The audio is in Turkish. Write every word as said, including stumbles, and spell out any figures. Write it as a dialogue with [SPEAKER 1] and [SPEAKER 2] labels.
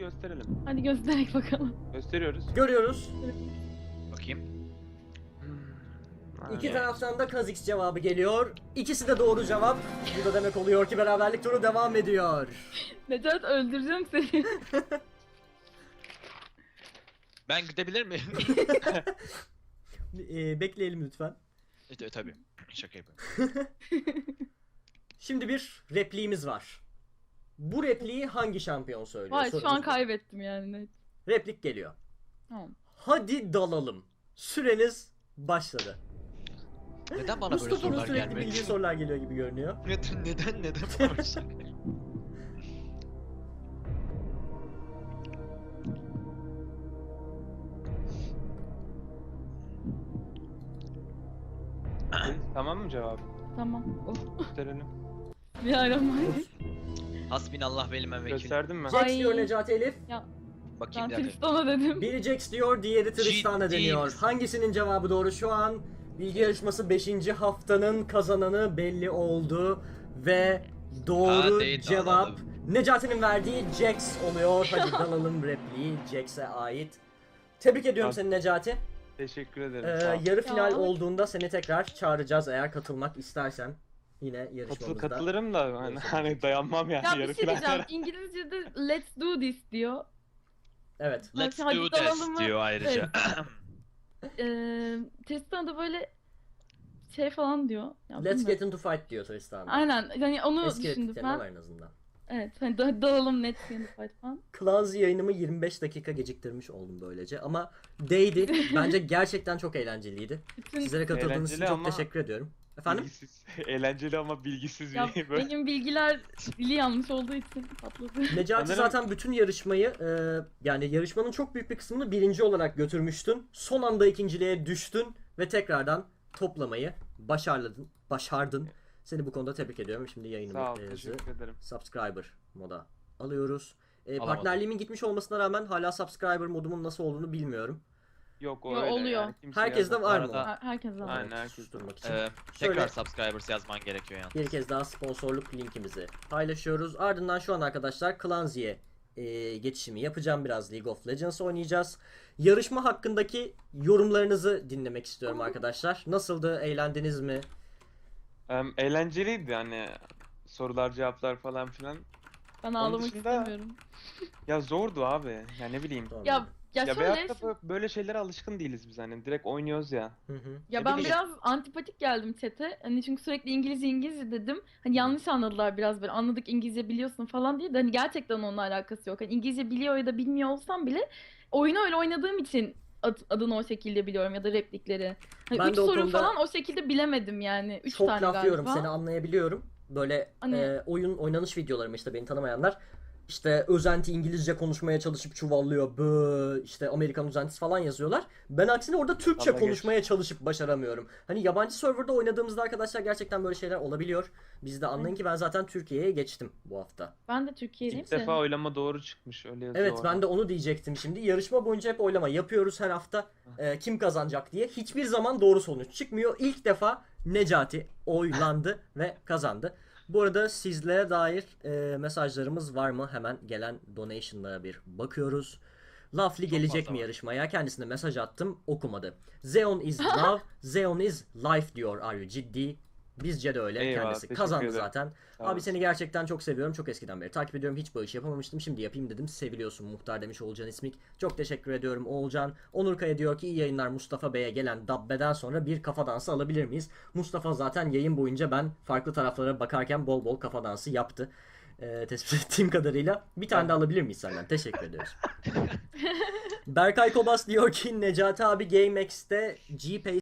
[SPEAKER 1] gösterelim.
[SPEAKER 2] Hadi gösterek bakalım.
[SPEAKER 1] Gösteriyoruz.
[SPEAKER 3] Görüyoruz.
[SPEAKER 4] Bakayım.
[SPEAKER 1] Hmm.
[SPEAKER 3] İki
[SPEAKER 1] Yani.
[SPEAKER 3] taraftan da Kha'Zix cevabı geliyor. İkisi de doğru cevap. Bu da demek oluyor ki beraberlik turu devam ediyor.
[SPEAKER 2] Necat öldüreceğim seni.
[SPEAKER 4] Ben gidebilir miyim?
[SPEAKER 3] Ee, bekleyelim lütfen.
[SPEAKER 4] e, tabii. Şaka yapıyorum.
[SPEAKER 3] Şimdi bir repliğimiz var. Bu repliği hangi şampiyon söylüyor?
[SPEAKER 2] Vay şu
[SPEAKER 3] Sorumuz
[SPEAKER 2] an
[SPEAKER 3] bu.
[SPEAKER 2] kaybettim yani. net.
[SPEAKER 3] Replik geliyor.
[SPEAKER 2] Tamam.
[SPEAKER 3] Hadi dalalım. Süreniz başladı.
[SPEAKER 4] Neden bana böyle
[SPEAKER 3] Mustafa'nın
[SPEAKER 4] sorular
[SPEAKER 3] sürekli
[SPEAKER 4] gelmedi?
[SPEAKER 3] bildiği sorular geliyor gibi görünüyor.
[SPEAKER 4] Neden neden neden bana böyle sorular geliyor?
[SPEAKER 1] Tamam mı cevap?
[SPEAKER 2] Tamam. Oh.
[SPEAKER 1] Gösterelim.
[SPEAKER 2] Bir aramayız.
[SPEAKER 4] Hasbinallah ve ni'mel vekil.
[SPEAKER 1] Gösterdim mi?
[SPEAKER 3] Jax
[SPEAKER 2] Ay.
[SPEAKER 3] diyor Necati Elif.
[SPEAKER 2] Ya
[SPEAKER 4] Bakayım
[SPEAKER 2] ben
[SPEAKER 4] bir dakika.
[SPEAKER 2] Tristan'a dedim.
[SPEAKER 3] Biri Jax diyor, diğeri Tristana
[SPEAKER 4] Ciddi
[SPEAKER 3] deniyor.
[SPEAKER 4] misin?
[SPEAKER 3] Hangisinin cevabı doğru? Şu an bilgi yarışması beşinci haftanın kazananı belli oldu. Ve doğru
[SPEAKER 4] Hadi
[SPEAKER 3] cevap
[SPEAKER 4] dalalım.
[SPEAKER 3] Necati'nin verdiği Jax oluyor. Hadi dalalım repliği Jax'e ait. Tebrik ediyorum
[SPEAKER 1] Abi,
[SPEAKER 3] seni Necati.
[SPEAKER 1] Teşekkür ederim.
[SPEAKER 3] Ee,
[SPEAKER 1] Sağ ol.
[SPEAKER 3] yarı final
[SPEAKER 2] Ya.
[SPEAKER 3] olduğunda seni tekrar çağıracağız eğer katılmak istersen. Yine
[SPEAKER 1] Katıl,
[SPEAKER 3] yarışmamızda.
[SPEAKER 1] katılırım da hani, hani dayanmam yani
[SPEAKER 2] Ya
[SPEAKER 1] yarı
[SPEAKER 2] bir şey diyeceğim.
[SPEAKER 1] finallere.
[SPEAKER 2] İngilizce'de let's do this diyor.
[SPEAKER 3] Evet.
[SPEAKER 4] Let's
[SPEAKER 2] Hadi
[SPEAKER 4] do
[SPEAKER 2] dalalım
[SPEAKER 4] this
[SPEAKER 2] mı?
[SPEAKER 4] diyor ayrıca.
[SPEAKER 2] Ee, Tristan'a da böyle şey falan diyor. Ya
[SPEAKER 3] Let's
[SPEAKER 2] bilmiyorum.
[SPEAKER 3] get into fight diyor Tristan'da.
[SPEAKER 2] Aynen. Yani onu
[SPEAKER 3] Eski
[SPEAKER 2] düşündüm
[SPEAKER 3] repliklerinde
[SPEAKER 2] ben.
[SPEAKER 3] var en azından.
[SPEAKER 2] Evet. Hani da dalalım net fight falan.
[SPEAKER 3] Clancy yayınımı yirmi beş dakika geciktirmiş oldum böylece ama değdi. Bence gerçekten çok eğlenceliydi.
[SPEAKER 2] Bütün
[SPEAKER 3] Sizlere katıldığınız için
[SPEAKER 1] Eğlenceli
[SPEAKER 3] çok
[SPEAKER 1] ama
[SPEAKER 3] teşekkür ediyorum. Efendim?
[SPEAKER 1] Bilgisiz. Eğlenceli ama bilgisiz
[SPEAKER 2] ya
[SPEAKER 1] bir böyle.
[SPEAKER 2] benim bilgiler dili yanlış olduğu için patladı.
[SPEAKER 3] Necati
[SPEAKER 1] Sanırım-
[SPEAKER 3] zaten bütün yarışmayı e, yani yarışmanın çok büyük bir kısmını birinci olarak götürmüştün. Son anda ikinciliğe düştün ve tekrardan toplamayı başardın. Başardın. Seni bu konuda tebrik ediyorum. Şimdi
[SPEAKER 1] Sağ ol,
[SPEAKER 3] yayınımızı
[SPEAKER 1] teşekkür ederim.
[SPEAKER 3] subscriber moda alıyoruz. E,
[SPEAKER 4] Alamadım.
[SPEAKER 3] partnerliğimin gitmiş olmasına rağmen hala subscriber modumun nasıl olduğunu bilmiyorum.
[SPEAKER 1] Yok o
[SPEAKER 2] Yo,
[SPEAKER 1] öyle
[SPEAKER 2] oluyor.
[SPEAKER 1] yani. Kimse
[SPEAKER 3] Herkeste
[SPEAKER 1] yazmaz.
[SPEAKER 3] var mı?
[SPEAKER 4] Arada-
[SPEAKER 2] Her- Herkes var.
[SPEAKER 1] Aynen,
[SPEAKER 3] Evet,
[SPEAKER 1] herkes
[SPEAKER 3] susturmak için.
[SPEAKER 4] Ee,
[SPEAKER 3] Şöyle-
[SPEAKER 4] tekrar subscribers yazman gerekiyor yani.
[SPEAKER 3] Bir kez daha sponsorluk linkimizi paylaşıyoruz. Ardından şu an arkadaşlar Clancy'ye e, geçişimi yapacağım. Biraz League of Legends oynayacağız. Yarışma hakkındaki yorumlarınızı dinlemek istiyorum arkadaşlar. Nasıldı? Eğlendiniz mi?
[SPEAKER 1] Em, eğlenceliydi hani sorular cevaplar falan filan.
[SPEAKER 2] Ben ağlamak
[SPEAKER 1] dışında-
[SPEAKER 2] istemiyorum.
[SPEAKER 1] Ya zordu abi. Ya ne bileyim.
[SPEAKER 3] Tamam.
[SPEAKER 2] Ya ya,
[SPEAKER 1] Ya
[SPEAKER 2] şöyle
[SPEAKER 1] veyahut da bö- böyle şeylere alışkın değiliz biz hani. Direkt oynuyoruz ya.
[SPEAKER 3] Hı hı.
[SPEAKER 2] ya
[SPEAKER 1] Ne
[SPEAKER 2] ben
[SPEAKER 1] bileyim.
[SPEAKER 2] biraz antipatik geldim chat'e. Hani çünkü sürekli İngilizce İngilizce dedim. Hani yanlış anladılar biraz böyle. Anladık İngilizce biliyorsun falan diye de hani gerçekten onunla alakası yok. Hani İngilizce biliyor ya da bilmiyor olsam bile oyunu öyle oynadığım için ad- adını o şekilde biliyorum ya da replikleri. Hani
[SPEAKER 3] Ben
[SPEAKER 2] üç
[SPEAKER 3] de o
[SPEAKER 2] soru
[SPEAKER 3] konuda
[SPEAKER 2] falan o şekilde bilemedim yani. Üç
[SPEAKER 3] Çok
[SPEAKER 2] tane
[SPEAKER 3] laf yiyorum.
[SPEAKER 2] galiba.
[SPEAKER 3] Seni anlayabiliyorum. Böyle
[SPEAKER 2] Hani-
[SPEAKER 3] e, oyun oynanış videolarım işte beni tanımayanlar. İşte özenti İngilizce konuşmaya çalışıp çuvallıyor. Bö işte Amerikan özentisi falan yazıyorlar. Ben aksine orada Türkçe
[SPEAKER 1] Dalga geç.
[SPEAKER 3] konuşmaya çalışıp başaramıyorum. Hani yabancı serverda oynadığımızda arkadaşlar gerçekten böyle şeyler olabiliyor. Biz de anlayın ki ben zaten Türkiye'ye geçtim bu hafta.
[SPEAKER 2] Ben de Türkiye'liyim
[SPEAKER 1] İlk
[SPEAKER 2] de.
[SPEAKER 1] defa oylama doğru çıkmış öyle yazıyor.
[SPEAKER 3] Evet
[SPEAKER 1] orada.
[SPEAKER 3] ben de onu diyecektim şimdi. Yarışma boyunca hep oylama yapıyoruz her hafta. e, kim kazanacak diye. Hiçbir zaman doğru sonuç çıkmıyor. İlk defa Necati oylandı ve kazandı. Bu arada sizlere dair e, mesajlarımız var mı? Hemen gelen donation'lara bir bakıyoruz. Lafli gelecek
[SPEAKER 4] fazla
[SPEAKER 3] mi
[SPEAKER 4] var.
[SPEAKER 3] yarışmaya? Kendisine mesaj attım, okumadı. Zeon is love, Zeon is life diyor. Are you ciddi? Bizce de öyle.
[SPEAKER 1] Eyvallah,
[SPEAKER 3] Kendisi
[SPEAKER 1] teşekkür
[SPEAKER 3] kazandı
[SPEAKER 1] ederim.
[SPEAKER 3] zaten.
[SPEAKER 1] Sağ
[SPEAKER 3] Abi
[SPEAKER 1] olasın.
[SPEAKER 3] seni gerçekten çok seviyorum. Çok eskiden beri takip ediyorum. Hiç bağış yapamamıştım. Şimdi yapayım dedim. Seviliyorsun muhtar demiş Oğulcan İsmik. Çok teşekkür ediyorum Oğulcan. Onur Kaya diyor ki iyi yayınlar Mustafa Bey'e gelen Dabbe'den sonra bir kafa dansı alabilir miyiz? Mustafa zaten yayın boyunca ben farklı taraflara bakarken bol bol kafa dansı yaptı. Ee, tespit ettiğim kadarıyla. Bir tane de alabilir miyiz senden? Teşekkür ediyoruz. Berkay Kobas diyor ki Necati abi GameX'te G-Pay